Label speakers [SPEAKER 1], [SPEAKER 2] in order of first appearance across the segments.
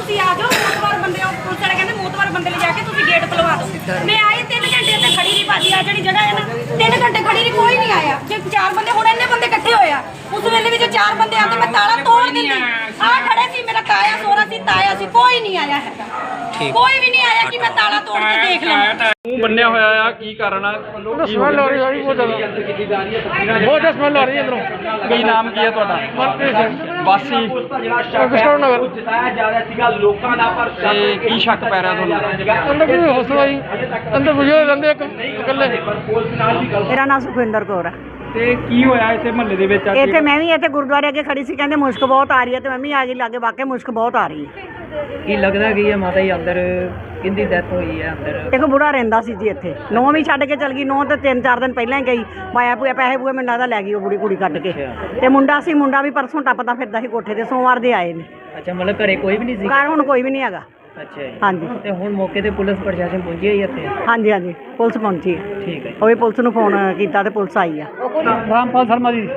[SPEAKER 1] ਤੁਸੀਂ ਆ ਜਾਓ ਮੋਤਵਾਰ ਬੰਦੇ ਪੁਲਿਸ ਵਾਲੇ ਕਹਿੰਦੇ ਮੋਤਵਾਰ ਬੰਦੇ ਲੈ ਜਾ ਕੇ ਤੁਸੀਂ ਗੇਟ ਖੁਲਵਾ ਦਿਓ। ਮੈਂ ਆਈ 3 ਘੰਟੇ ਇੱਥੇ ਖੜੀ ਰਹੀ ਭਾਜੀ ਆ ਜਿਹੜੀ ਜਗ੍ਹਾ ਹੈ ਨਾ 3 ਘੰਟੇ ਖੜੀ ਰਹੀ ਕੋਈ ਨਹੀਂ ਆਇਆ। ਜੇ 4 ਬੰਦੇ ਹੁਣ ਇੰਨੇ ਬੰਦੇ ਇਕੱਠੇ ਹੋਏ ਆ ਉਸ ਵੇਲੇ ਵੀ ਜੇ 4 ਬੰਦੇ ਆਉਂਦੇ ਮੈਂ ਤਾਲਾ ਤੋੜ ਦਿੰਦੀ। ਆ ਖੜੇ ਸੀ ਮੇਰਾ ਤਾਇਆ ਸੋਹਰਾ ਸੀ ਤਾਇਆ ਸੀ ਕੋਈ ਨਹੀਂ ਆਇਆ ਹੈਗਾ ਕੋਈ ਵੀ ਨਹੀਂ ਆਇਆ ਕਿ ਮੈਂ ਤਾਲਾ ਤੋੜ ਕੇ ਦੇਖ ਲਵਾਂ।
[SPEAKER 2] ਮੂੰਹ ਬੰਨਿਆ ਹੋਇਆ ਆ ਕੀ ਕਾਰਨ ਆ?
[SPEAKER 3] ਸਮੈਲ ਆ ਰਹੀ ਹੈ ਬਹੁਤ ਜ਼ਿਆਦਾ ਸਮੈਲ ਆ ਰਹੀ ਹੈ ਅੰਦਰੋਂ।
[SPEAKER 2] ਕੀ ਨਾਮ ਕੀ ਹੈ ਤੁਹਾਡਾ?
[SPEAKER 3] ਮਨਪ੍ਰੀਤ ਸਿੰਘ
[SPEAKER 2] ਵਾਸੀ
[SPEAKER 3] ਕਿਸ਼ੋਰ ਨਗਰ।
[SPEAKER 2] ਤੇ ਕੀ ਸ਼ੱਕ ਪੈ ਰਿਹਾ ਤੁਹਾਨੂੰ?
[SPEAKER 3] ਅੰਦਰ ਕੋਈ ਹੌਸਲਾ ਜੀ ਅੰਦਰ ਬਜ਼ੁਰਗ ਰਹਿੰਦੇ ਇਕੱਲੇ।
[SPEAKER 4] ਮੇਰਾ ਨਾਮ ਸੁਖਵਿੰਦਰ ਕੌਰ ਹੈ।
[SPEAKER 2] ਤੇ ਕੀ ਹੋਇਆ ਇੱਥੇ ਮਹੱਲੇ ਦੇ ਵਿੱਚ?
[SPEAKER 4] ਇੱਥੇ ਮੈਂ ਵੀ ਇੱਥੇ ਗੁਰਦੁਆਰੇ ਅੱਗੇ ਖੜੀ ਸੀ ਕਹਿੰਦੇ ਮੁਸ਼ਕ ਬਹੁਤ ਆ ਰਹੀ ਹੈ ਤੇ ਮੈਂ ਵੀ ਆ ਗਈ ਲਾਗੇ ਵਾਕਿਆ ਮੁਸ਼ਕ ਬਹੁਤ ਆ ਰਹੀ ਹੈ।
[SPEAKER 5] ਕੀ ਲੱਗਦਾ ਕੀ ਹੈ ਮਾਤਾ ਜੀ ਅੰਦਰ ਕਿੰਦੀ ਡੈਥ ਹੋਈ ਹੈ ਅੰਦਰ?
[SPEAKER 4] ਇੱਕ ਬੁੜਾ ਰਹਿੰਦਾ ਸੀ ਜੀ ਇੱਥੇ ਨੌਂ ਵੀ ਛੱਡ ਕੇ ਚਲ ਗਈ। ਨੌਂ ਤੇ 3-4 ਦਿਨ ਪਹਿਲਾਂ ਹੀ ਗਈ ਮਾਇਆ ਪੂਆ ਪੈਸੇ ਪੂਏ ਮੈਨੂੰ ਲੱਗਦਾ ਲੈ ਗਈ ਉਹ ਬੁੜੀ ਕੁੜੀ ਕੱਢ ਕੇ। ਤੇ ਮੁੰਡਾ ਸੀ ਮੁੰਡਾ ਵੀ ਪਰਸੋਂ ਟੱਪਦਾ ਫਿਰਦਾ ਸੀ ਕੋਠੇ ਤੇ ਸੋਮਵਾਰ ਦੇ ਆਏ ਨੇ।
[SPEAKER 5] ਅੱਛਾ ਮਤਲਬ ਘਰੇ ਕੋਈ ਵੀ ਨਹੀਂ ਸੀ?
[SPEAKER 4] ਘਰ ਹੁਣ ਕੋਈ ਵੀ ਨਹੀਂ ਹੈਗਾ।
[SPEAKER 5] ਅੱਛਾ ਜੀ।
[SPEAKER 4] ਹਾਂਜੀ
[SPEAKER 5] ਤੇ ਹੁਣ ਮੌਕੇ ਤੇ ਪੁਲਿਸ ਪ੍ਰਸ਼ਾਸਨ ਪਹੁੰਚੀ ਹੈ ਇੱਥੇ?
[SPEAKER 4] ਹਾਂਜੀ ਹਾਂਜੀ ਪੁਲਿਸ ਪਹੁੰਚੀ ਹੈ।
[SPEAKER 5] ਠੀਕ ਹੈ।
[SPEAKER 4] ਉਹ ਵੀ ਪੁਲਿਸ ਨੂੰ ਫੋਨ ਕੀਤਾ ਤੇ ਪੁਲਿਸ ਆਈ ਆ।
[SPEAKER 3] ਰਾਮਪਾਲ ਸ਼ਰਮਾ ਜੀ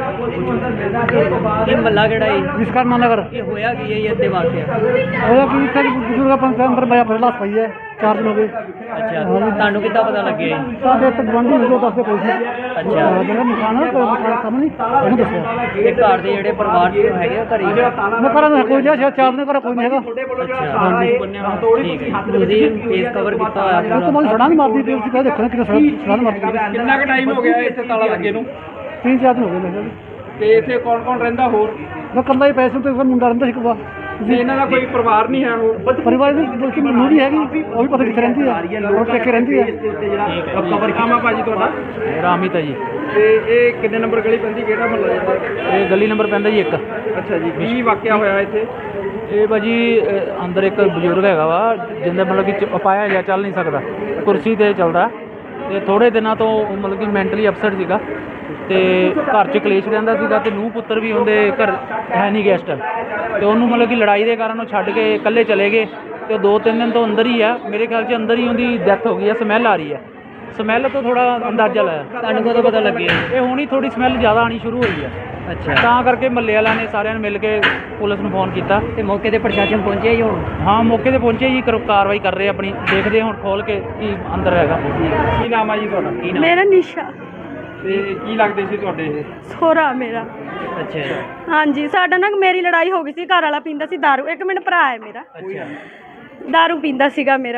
[SPEAKER 5] ਇਹ ਮੱਲਾ ਕਿਹੜਾ ਜੀ?
[SPEAKER 3] ਵਿਸ਼ਕਰਮਾ ਨਗਰ।
[SPEAKER 5] ਇਹ ਹੋਇਆ ਕੀ ਹੈ ਜੀ ਇੱਥੇ ਵਾਕਿਆ?
[SPEAKER 3] ਉਹਦਾ ਕੀ ਇੱਥੇ ਬਜ਼ੁਰਗ ਪੰਚਾਇਤ ਅੰਦਰ ਬਾਇਆ ਫਿਰ ਲਾਸ ਪਈ ਹੈ 4 ਦਿਨ ਹੋ ਗਏ।
[SPEAKER 5] ਅੱਛਾ ਤੁਹਾਨੂੰ ਕਿੱਦਾਂ ਪਤਾ ਲੱਗਿਆ ਜੀ?
[SPEAKER 3] ਸਾਡੇ ਇੱਥੇ ਗਵਾਂਢੀ ਨੂੰ ਦੱਸਦੇ ਕੋਈ ਸੀ।
[SPEAKER 5] ਅੱਛਾ
[SPEAKER 3] ਜਿਹੜਾ ਨਿਸ਼ਾਨ ਹੈ ਕੰਮ ਨਹੀਂ ਉਹਨੂੰ ਦੱਸਿਆ।
[SPEAKER 5] ਇਹ ਘਰ ਦੇ ਜਿਹੜੇ ਪਰਿਵਾਰ ਚ ਹੈਗੇ ਆ ਘਰੇ?
[SPEAKER 3] ਮੈਂ ਕਰਾਂ ਕੋਈ ਜਿਹਾ 4 ਦਿਨ ਕਰ ਕੋਈ ਨਹੀਂ ਹੈਗਾ।
[SPEAKER 5] ਅੱਛਾ
[SPEAKER 3] ਹਾਂਜੀ
[SPEAKER 5] ਠੀਕ ਹੈ। ਤੁਸੀਂ ਫੇਸ ਕਵਰ ਕੀਤਾ ਹੋਇਆ
[SPEAKER 3] ਉਹ ਤੋਂ
[SPEAKER 5] ਪੂਰਾ?
[SPEAKER 3] ਬਾਅਦ ਸੜਾ ਨਹੀਂ ਮਾਰਦੀ ਪਈ ਸੀ ਕਹਿੰਦੇ ਦੇਖਣਾ ਕਿਹਦਾ ਸੜਾ ਨਹੀਂ ਮਾਰਦੀ।
[SPEAKER 2] ਕਿੰਨਾ ਕੁ ਟਾਈਮ ਹੋ ਗਿਆ ਇੱਥੇ ਤਾਲਾ ਲੱਗੇ ਨੂੰ?
[SPEAKER 3] 3-4 ਦਿਨ ਹੋ ਗਏ ਮੇਰੇ।
[SPEAKER 2] ਤੇ ਇੱਥੇ ਕੌਣ ਕੌਣ ਰਹਿੰਦਾ ਹੋਰ?
[SPEAKER 3] ਮੈਂ ਕੱਲਾ ਹੀ ਪੈਸੇ ਤੇ ਮੁੰਡਾ ਰਹਿੰਦਾ ਸੀ ਕੋਲ।
[SPEAKER 2] ਤੇ ਇਹਨਾਂ ਦਾ ਕੋਈ ਪਰਿਵਾਰ ਨਹੀਂ ਹੈ ਹੋਰ?
[SPEAKER 3] ਪਰਿਵਾਰ ਦੀ ਬਲਕਿ ਨੂੰਹ ਹੈਗੀ ਉਹ ਵੀ ਪਤਾ ਕਿੱਥੇ ਰਹਿੰਦੀ ਹੈ ਉਹ ਟੇਕੇ ਰਹਿੰਦੀ ਹੈ।
[SPEAKER 2] ਕਬਰ ਖਾਮਾ ਭਾਜੀ ਤੁਹਾਡਾ?
[SPEAKER 6] ਰਾਮਿਤ ਹੈ ਜੀ।
[SPEAKER 2] ਤੇ ਇਹ ਕਿੰਨੇ ਨੰਬਰ ਗਲੀ ਪੈਂਦੀ ਕਿਹੜਾ ਮਹੱਲਾ ਜਾਂਦਾ?
[SPEAKER 6] ਇਹ ਗਲੀ ਨੰਬਰ ਪੈਂਦਾ ਜੀ 1।
[SPEAKER 2] ਅੱਛਾ ਜੀ ਕੀ ਵਾਕਿਆ ਹੋਇਆ ਇੱਥੇ?
[SPEAKER 6] ਇਹ ਭਾਜੀ ਅੰਦਰ ਇੱਕ ਬਜ਼ੁਰਗ ਹੈਗਾ ਵਾ ਜਿੰਦਾ ਮਤਲਬ ਕਿ ਅਪਾਇਆ ਜਾਂ ਚੱਲ ਨਹੀਂ ਸਕਦਾ ਕੁਰਸੀ ਤੇ ਚੱਲਦਾ ਤੇ ਥੋੜੇ ਦਿਨਾਂ ਤੋਂ ਮਤਲਬ ਕਿ ਮੈਂਟਲੀ ਅਪਸੈਟ ਸੀਗਾ ਤੇ ਘਰ 'ਚ ਕਲੇਸ਼ ਰਹਿੰਦਾ ਸੀਗਾ ਤੇ ਨੂੰਹ ਪੁੱਤਰ ਵੀ ਉਹਦੇ ਘਰ ਹੈ ਨਹੀਂ ਗੈਸਟ ਤੇ ਉਹਨੂੰ ਮਤਲਬ ਕਿ ਲੜਾਈ ਦੇ ਕਾਰਨ ਉਹ ਛੱਡ ਕੇ ਇਕੱਲੇ ਚਲੇ ਗਏ ਤੇ 2-3 ਦਿਨ ਤੋਂ ਅੰਦਰ ਹੀ ਆ ਮੇਰੇ ਖਿਆਲ 'ਚ ਅੰਦਰ ਹੀ ਉਹਦੀ ਡੈਥ ਹੋ ਗਈ ਆ। ਸਮੈਲ ਆ ਰਹੀ ਹੈ ਸਮੈਲ ਤੋਂ ਥੋੜਾ ਅੰਦਾਜ਼ਾ ਲਾਇਆ।
[SPEAKER 5] ਤੁਹਾਨੂੰ ਕਦੋਂ ਪਤਾ ਲੱਗਿਆ?
[SPEAKER 6] ਇਹ ਹੁਣੀ ਥੋੜੀ ਸਮੈਲ ਜ਼ਿਆਦਾ ਆਣੀ ਸ਼ੁਰੂ ਹੋਈ ਆ
[SPEAKER 5] ਅੱਛਾ
[SPEAKER 6] ਤਾਂ ਕਰਕੇ ਮਹੱਲੇ ਵਾਲਿਆਂ ਨੇ ਸਾਰਿਆਂ ਨੇ ਮਿਲ ਕੇ ਪੁਲਿਸ ਨੂੰ ਫੋਨ ਕੀਤਾ।
[SPEAKER 5] ਤੇ ਮੌਕੇ ਤੇ ਪ੍ਰਸ਼ਾਸਨ ਪਹੁੰਚਿਆ ਜੀ ਹੁਣ?
[SPEAKER 6] ਹਾਂ ਮੌਕੇ ਤੇ ਪਹੁੰਚੇ ਜੀ ਕਾਰਵਾਈ ਕਰ ਰਹੇ ਆਪਣੀ ਦੇਖਦੇ ਹੁਣ ਖੋਲ ਕੇ ਕੀ ਅੰਦਰ ਹੈਗਾ।
[SPEAKER 2] ਕੀ ਨਾਮ ਆ ਜੀ ਤੁਹਾਡਾ?
[SPEAKER 5] ਕੀ ਨਾਮ?
[SPEAKER 1] ਮੇਰਾ ਨਿਸ਼ਾ
[SPEAKER 2] ਤੇ ਕੀ ਲੱਗਦੇ ਸੀ ਤੁਹਾਡੇ ਇਹ?
[SPEAKER 1] ਸੋਹਰਾ ਮੇਰਾ।
[SPEAKER 5] ਅੱਛਾ
[SPEAKER 1] ਹਾਂਜੀ ਸਾਡਾ ਨਾ ਮੇਰੀ ਲੜਾਈ ਹੋ ਗਈ ਸੀ। ਘਰ ਵਾਲਾ ਪੀਂਦਾ ਸੀ ਦਾਰੂ। 1 ਮਿੰਟ ਭਰਾ ਹੈ ਮੇਰਾ
[SPEAKER 5] ਅੱਛਾ
[SPEAKER 1] ਦਾਰੂ ਪੀਂਦਾ ਸੀਗਾ ਮੇਰਾ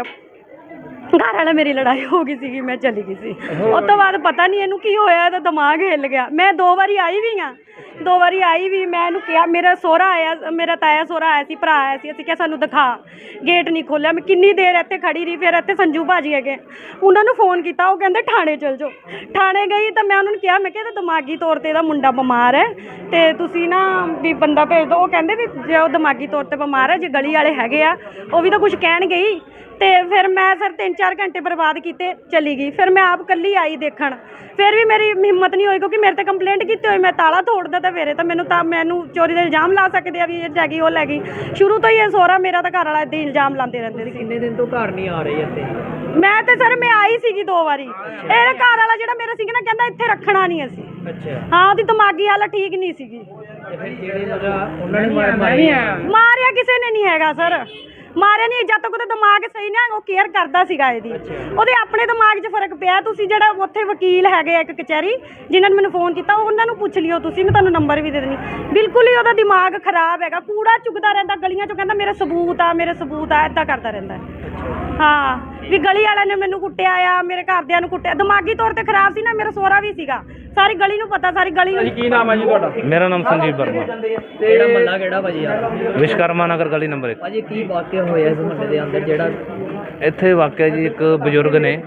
[SPEAKER 1] ਘਰ ਵਾਲਾ। ਮੇਰੀ ਲੜਾਈ ਹੋ ਗਈ ਸੀਗੀ ਮੈਂ ਚਲੀ ਗਈ ਸੀ। ਉਸ ਤੋਂ ਬਾਅਦ ਪਤਾ ਨਹੀਂ ਇਹਨੂੰ ਕੀ ਹੋਇਆ ਇਹਦਾ ਦਿਮਾਗ ਹਿੱਲ ਗਿਆ। ਮੈਂ 2 ਵਾਰੀ ਆਈ ਵੀ ਹਾਂ 2 ਵਾਰੀ ਆਈ ਵੀ ਮੈਂ ਇਹਨੂੰ ਕਿਹਾ ਮੇਰਾ ਸਹੁਰਾ ਆਇਆ ਮੇਰਾ ਤਾਇਆ ਸਹੁਰਾ ਆਇਆ ਸੀ ਭਰਾ ਆਇਆ ਸੀ ਅਸੀਂ ਕਿਹਾ ਸਾਨੂੰ ਦਿਖਾ ਗੇਟ ਨਹੀਂ ਖੋਲ੍ਹਿਆ। ਮੈਂ ਕਿੰਨੀ ਦੇਰ ਇੱਥੇ ਖੜੀ ਰਹੀ। ਫਿਰ ਇੱਥੇ ਸੰਜੂ ਭਾਜੀ ਹੈਗੇ ਉਹਨਾਂ ਨੂੰ ਫੋਨ ਕੀਤਾ ਉਹ ਕਹਿੰਦੇ ਥਾਣੇ ਚਲ ਜਾਓ। ਥਾਣੇ ਗਈ ਤਾਂ ਮੈਂ ਉਹਨਾਂ ਨੂੰ ਕਿਹਾ ਮੈਂ ਕਿਹਾ ਇਹਦਾ ਦਿਮਾਗੀ ਤੌਰ 'ਤੇ ਇਹਦਾ ਮੁੰਡਾ ਬਿਮਾਰ ਹੈ ਤੇ ਤੁਸੀਂ ਨਾ ਵੀ ਬੰਦਾ ਭੇਜ ਦਿਓ। ਉਹ ਕਹਿੰਦੇ ਵੀ ਜੇ ਉਹ ਦਿਮਾਗੀ ਤੌਰ 'ਤੇ ਬਿਮਾਰ ਹੈ ਜੇ ਗਲੀ ਵਾਲੇ ਹੈਗੇ ਆ ਉਹ ਵੀ ਤਾਂ ਕੁਝ ਕਹਿਣਗੇ ਹੀ। ਤੇ ਫਿਰ ਮੈਂ ਸਰ 3-4 ਘੰਟੇ ਬਰਬਾਦ ਕੀਤੇ ਚਲੀ ਗਈ। ਫਿਰ ਮੈਂ ਆਪ ਇਕੱਲੀ ਆਈ ਦੇਖਣ। ਫਿਰ ਵੀ ਮੇਰੀ ਹਿੰਮਤ ਨਹੀਂ ਹੋਈ ਕਿਉਂਕਿ ਮੇਰੇ 'ਤੇ ਕੰਪਲੇਂਟ ਕੀਤੀ ਹੋਈ। ਮੈਂ ਤਾਲਾ ਤੋੜਦਾ ਤਾਂ ਫਿਰ ਤਾਂ ਮੈਨੂੰ ਚੋਰੀ ਦਾ ਇਲਜ਼ਾਮ ਲਾ ਸਕਦੇ ਆ ਵੀ ਇਹ ਲੈ ਗਈ ਉਹ ਲੈ ਗਈ। ਸ਼ੁਰੂ ਤੋਂ ਹੀ ਇਹ ਸਹੁਰਾ ਮੇਰਾ ਤਾਂ ਘਰ ਵਾਲਾ ਇੱਦਾਂ ਹੀ ਇਲਜ਼ਾਮ ਲਾਉਂਦੇ ਰਹਿੰਦੇ ਸੀ।
[SPEAKER 5] ਕਿੰਨੇ ਦਿਨ ਤੋਂ ਘਰ ਨਹੀਂ ਆ ਰਹੀ ਇੱਥੇ?
[SPEAKER 1] ਮੈਂ ਤੇ ਸਰ ਮੈਂ ਆਈ ਸੀਗੀ 2 ਵਾਰੀ। ਇਹਦਾ ਘਰ ਵਾਲਾ ਜਿਹੜਾ ਮੇਰਾ ਸੀਗਾ ਨਾ ਕਹਿੰਦਾ ਇੱਥੇ ਰੱਖਣਾ ਨਹੀਂ ਅਸੀਂ।
[SPEAKER 5] ਅੱਛਾ
[SPEAKER 1] ਹਾਂ ਉਹਦੀ ਦਿਮਾਗੀ ਹਾਲਤ ਠੀਕ ਨਹੀਂ ਸੀਗੀ।
[SPEAKER 5] ਤੇ ਫਿਰ ਜਿਹੜੇ ਮਤਲਬ ਉਹਨਾਂ ਨੇ
[SPEAKER 1] ਮਾਰਿਆ ਕਿਸੇ ਨੇ ਨਹੀਂ ਹੈਗਾ ਸਰ ਮਾਰਿਆ ਨਹੀਂ। ਜਦ ਤੱਕ ਉਹਦਾ ਦਿਮਾਗ ਸਹੀ ਨਾ ਉਹ ਕੇਅਰ ਕਰਦਾ ਸੀਗਾ ਇਹਦੀ ਉਹਦੇ ਆਪਣੇ ਦਿਮਾਗ 'ਚ ਫਰਕ ਪਿਆ। ਤੁਸੀਂ ਜਿਹੜਾ ਉੱਥੇ ਵਕੀਲ ਹੈਗੇ ਆ ਇੱਕ ਕਚਹਿਰੀ ਜਿਨ੍ਹਾਂ ਨੇ ਮੈਨੂੰ ਫੋਨ ਕੀਤਾ ਉਹਨਾਂ ਨੂੰ ਪੁੱਛ ਲਿਓ ਤੁਸੀਂ। ਮੈਂ ਤੁਹਾਨੂੰ ਨੰਬਰ ਵੀ ਦੇ ਦੇਣੀ। ਬਿਲਕੁਲ ਹੀ ਉਹਦਾ ਦਿਮਾਗ ਖਰਾਬ ਹੈਗਾ। ਕੂੜਾ ਚੁਗਦਾ ਰਹਿੰਦਾ ਗਲੀਆਂ 'ਚੋਂ ਕਹਿੰਦਾ ਮੇਰੇ ਸਬੂਤ ਆ ਇੱਦਾਂ ਕਰਦਾ ਰਹਿੰਦਾ। ਹਾਂ ਵੀ ਗਲੀ ਵਾਲਿਆਂ ਨੇ ਮੈਨੂੰ ਕੁੱਟਿਆ ਆ ਮੇਰੇ ਘਰਦਿਆਂ ਨੂੰ ਕੁੱਟਿਆ। ਦਿਮਾਗੀ ਤੌਰ 'ਤੇ ਖਰਾਬ ਸੀ ਨਾ ਮੇਰਾ ਸਹੁਰਾ ਵੀ ਸੀਗਾ। ਸਾਰੀ ਗਲੀ ਨੂੰ ਪਤਾ ਸਾਰੀ ਗਲੀ ਨੂੰ।
[SPEAKER 2] ਕੀ ਨਾਮ ਹੈ ਜੀ ਤੁਹਾਡਾ?
[SPEAKER 6] ਮੇਰਾ ਨਾਮ ਸੰਜੀਵ ਵਰਮਾ।
[SPEAKER 5] ਕਿਹੜਾ ਮੱਲਾ ਕਿਹੜਾ ਭਾਜੀ ਆ?
[SPEAKER 6] ਵਿਸ਼ਕਰਮਾ ਨਗਰ ਗਲੀ ਨੰਬਰ 1।
[SPEAKER 5] ਭਾਜੀ ਕੀ ਵਾਕਿਆ ਹੋਇਆ ਇਸ ਮਹੱਲੇ ਦੇ ਅੰਦਰ ਜਿਹੜਾ?
[SPEAKER 6] ਇੱਥੇ ਵਾਕਿਆ ਜੀ ਇੱਕ ਬਜ਼ੁਰਗ ਨੇ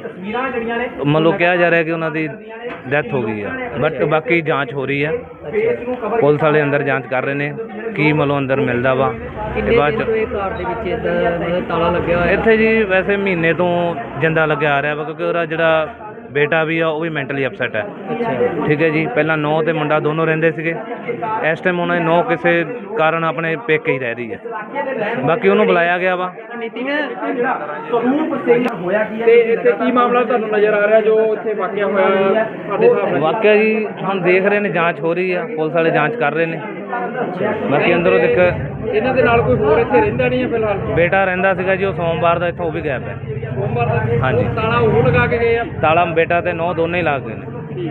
[SPEAKER 6] ਮਤਲਬ ਕਿਹਾ ਜਾ ਰਿਹਾ ਕਿ ਉਹਨਾਂ ਦੀ ਡੈਥ ਹੋ ਗਈ ਆ ਬਟ ਬਾਕੀ ਜਾਂਚ ਹੋ ਰਹੀ ਆ। ਪੁਲਿਸ ਵਾਲੇ ਅੰਦਰ ਜਾਂਚ ਕਰ ਰਹੇ ਨੇ ਕੀ ਮਤਲਬ ਅੰਦਰ ਮਿਲਦਾ ਵਾ ਤੇ ਬਾਅਦ
[SPEAKER 5] ਕਿੰਨੇ ਦਿਨ ਤੋਂ ਇਹ ਘਰ ਦੇ ਵਿੱਚ ਇੱਦਾਂ ਮਤਲਬ ਤਾਲਾ ਲੱਗਿਆ ਹੋਇਆ?
[SPEAKER 6] ਇੱਥੇ ਜੀ ਵੈਸੇ ਮਹੀਨੇ ਤੋਂ ਜਿੰਦਾ ਲੱਗਿਆ ਆ ਰਿਹਾ ਵਾ ਕਿਉਂਕਿ ਉਹਦਾ ਜਿਹੜਾ ਬੇਟਾ ਵੀ ਆ ਉਹ ਵੀ ਮੈਂਟਲੀ ਅਪਸੈਟ ਹੈ।
[SPEAKER 5] ਅੱਛਾ
[SPEAKER 6] ਠੀਕ ਹੈ ਜੀ ਪਹਿਲਾਂ ਨੌ ਤੇ ਮੁੰਡਾ ਦੋਨੋਂ ਰਹਿੰਦੇ ਸੀਗੇ। ਇਸ ਟਾਈਮ ਉਹਨਾਂ ਦੀ ਨੌ ਕਿਸੇ ਕਾਰਨ ਆਪਣੇ ਪੇਕੇ ਹੀ ਰਹਿ ਰਹੀ ਹੈ। ਬਾਕੀ ਉਹਨੂੰ ਬੁਲਾਇਆ ਗਿਆ ਵਾ।
[SPEAKER 2] ਤੇ ਇੱਥੇ ਕੀ ਮਾਮਲਾ ਤੁਹਾਨੂੰ ਨਜ਼ਰ ਆ ਰਿਹਾ ਜੋ ਇੱਥੇ ਵਾਕਿਆ ਹੋਇਆ ਤੁਹਾਡੇ ਹਿਸਾਬ ਨਾਲ?
[SPEAKER 6] ਵਾਕਿਆ ਜੀ ਹੁਣ ਦੇਖ ਰਹੇ ਨੇ ਜਾਂਚ ਹੋ ਰਹੀ ਆ ਪੁਲਿਸ ਵਾਲੇ ਜਾਂਚ ਕਰ ਰਹੇ ਨੇ। ਬਾਕੀ ਅੰਦਰੋਂ ਦੇਖ
[SPEAKER 2] ਇਹਨਾਂ ਦੇ ਨਾਲ ਕੋਈ ਹੋਰ ਇੱਥੇ ਰਹਿੰਦਾ ਨਹੀਂ ਹੈ ਫਿਲਹਾਲ?
[SPEAKER 3] ਬੇਟਾ ਰਹਿੰਦਾ ਸੀਗਾ ਜੀ, ਉਹ ਸੋਮਵਾਰ ਦਾ ਇੱਥੋਂ ਉਹ ਵੀ ਗਾਇਬ ਹੈ।
[SPEAKER 2] ਸੋਮਵਾਰ ਦਾ
[SPEAKER 3] ਹਾਂਜੀ।
[SPEAKER 2] ਤਾਲਾ ਉਹ ਲਗਾ ਕੇ ਗਏ ਆ?
[SPEAKER 3] ਤਾਲਾ ਬੇਟਾ ਤੇ ਨੌ ਦੋਨੇ ਹੀ ਲਾ ਗਏ ਨੇ।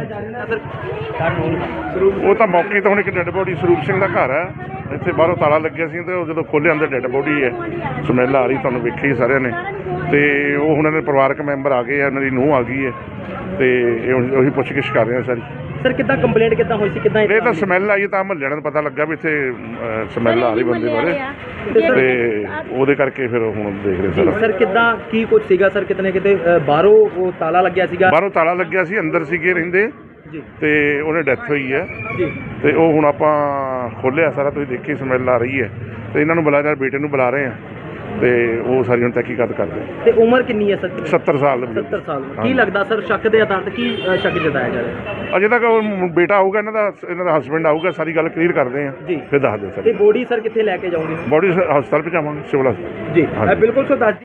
[SPEAKER 7] ਉਹ ਤਾਂ ਮੌਕੇ ਤੋਂ ਹੁਣ ਇੱਕ ਡੈੱਡ ਬੋਡੀ ਸਰੂਪ ਸਿੰਘ ਦਾ ਘਰ ਹੈ, ਇੱਥੇ ਬਾਹਰੋਂ ਤਾਲਾ ਲੱਗਿਆ ਸੀ ਤੇ ਉਹ ਜਦੋਂ ਖੋਲ੍ਹਿਆ ਅੰਦਰ ਡੈੱਡ ਬੋਡੀ ਹੈ, ਸਮੈਲ ਆ ਰਹੀ, ਤੁਹਾਨੂੰ ਵੇਖੀ ਸਾਰਿਆਂ ਨੇ। ਤੇ ਉਹ ਹੁਣ ਇਹਨਾਂ ਦੇ ਪਰਿਵਾਰਕ ਮੈਂਬਰ ਆ ਗਏ ਆ, ਇਹਨਾਂ ਦੀ ਨੂੰਹ ਆ ਗਈ ਹੈ ਤੇ ਇਹ ਹੁਣ ਉਹੀ ਪੁੱਛਗਿੱਛ ਕਰ ਰਹੇ ਆ ਸਾਰੀ।
[SPEAKER 2] ਸਰ ਕਿੱਦਾਂ ਕੰਪਲੇਂਟ ਕਿੱਦਾਂ ਹੋਈ ਸੀ, ਕਿੱਦਾਂ
[SPEAKER 7] ਇਹ ਤਾਂ ਸਮੈਲ ਆਈ ਤਾਂ ਮਹੱਲਿਆਂ ਨੂੰ ਪਤਾ ਲੱਗਾ ਵੀ ਇੱਥੇ ਸਮੈਲ ਆ ਰਹੀ ਬੰਦੇ ਬਾਰੇ, ਤੇ ਉਹਦੇ ਕਰਕੇ ਫਿਰ ਹੁਣ ਦੇਖ ਰਹੇ ਸਰ।
[SPEAKER 2] ਸਰ ਕਿੱਦਾਂ ਕੀ ਕੁਝ ਸੀਗਾ ਸਰ? ਕਿਤਨੇ ਕਿਤੇ ਬਾਹਰੋਂ ਉਹ ਤਾਲਾ ਲੱਗਿਆ ਸੀਗਾ?
[SPEAKER 7] ਬਾਹਰੋਂ ਤਾਲਾ ਲੱਗਿਆ ਸੀ, ਅੰਦਰ ਸੀਗੇ ਰਹਿੰਦੇ
[SPEAKER 2] ਜੀ
[SPEAKER 7] ਤੇ ਉਹਨੇ ਡੈਥ ਹੋਈ ਹੈ
[SPEAKER 2] ਜੀ।
[SPEAKER 7] ਤੇ ਉਹ ਹੁਣ ਆਪਾਂ ਖੋਲ੍ਹਿਆ ਸਾਰਾ, ਤੁਸੀਂ ਦੇਖੀ ਸਮੈਲ ਆ ਰਹੀ ਹੈ ਤੇ ਇਹਨਾਂ ਨੂੰ ਬੁਲਾਇਆ, ਬੇਟੇ ਨੂੰ ਬੁਲਾ ਰਹੇ ਆ ਤੇ ਉਹ ਸਾਰੀ ਹੁਣ ਤਹਿਕੀਕਾਤ ਕਰਦੇ।
[SPEAKER 2] ਤੇ ਉਮਰ ਕਿੰਨੀ ਹੈ ਸਰ?
[SPEAKER 7] 70 ਸਾਲ ਦੇ
[SPEAKER 2] 70 ਸਾਲ। ਕੀ ਲੱਗਦਾ ਸਰ ਸ਼ੱਕ ਦੇ ਆਧਾਰ ਤੇ ਕੀ ਸ਼ੱਕ ਜਤਾਇਆ ਜਾ ਰਿਹਾ?
[SPEAKER 7] ਅਜੇ ਤੱਕ ਉਹ ਬੇਟਾ ਆਊਗਾ, ਇਹਨਾਂ ਦਾ ਹਸਬੈਂਡ ਆਊਗਾ, ਸਾਰੀ ਗੱਲ ਕਲੀਅਰ ਕਰਦੇ ਆ
[SPEAKER 2] ਜੀ।
[SPEAKER 7] ਫਿਰ ਦੱਸ ਦਿਓ
[SPEAKER 2] ਤੇ
[SPEAKER 7] ਸਰ।
[SPEAKER 2] ਬੋਡੀ ਸਰ ਕਿੱਥੇ ਲੈ ਕੇ ਜਾਓਗੇ?
[SPEAKER 7] ਬੋਡੀ ਹਸਪਤਾਲ ਪਹੁੰਚਾਵਾਂਗੇ, ਸਿਵਲ ਹਸਪਤਾਲ।
[SPEAKER 2] ਜੀ
[SPEAKER 7] ਹਾਂਜੀ।
[SPEAKER 2] ਬਿਲਕੁਲ ਸਰ ਦੱਸ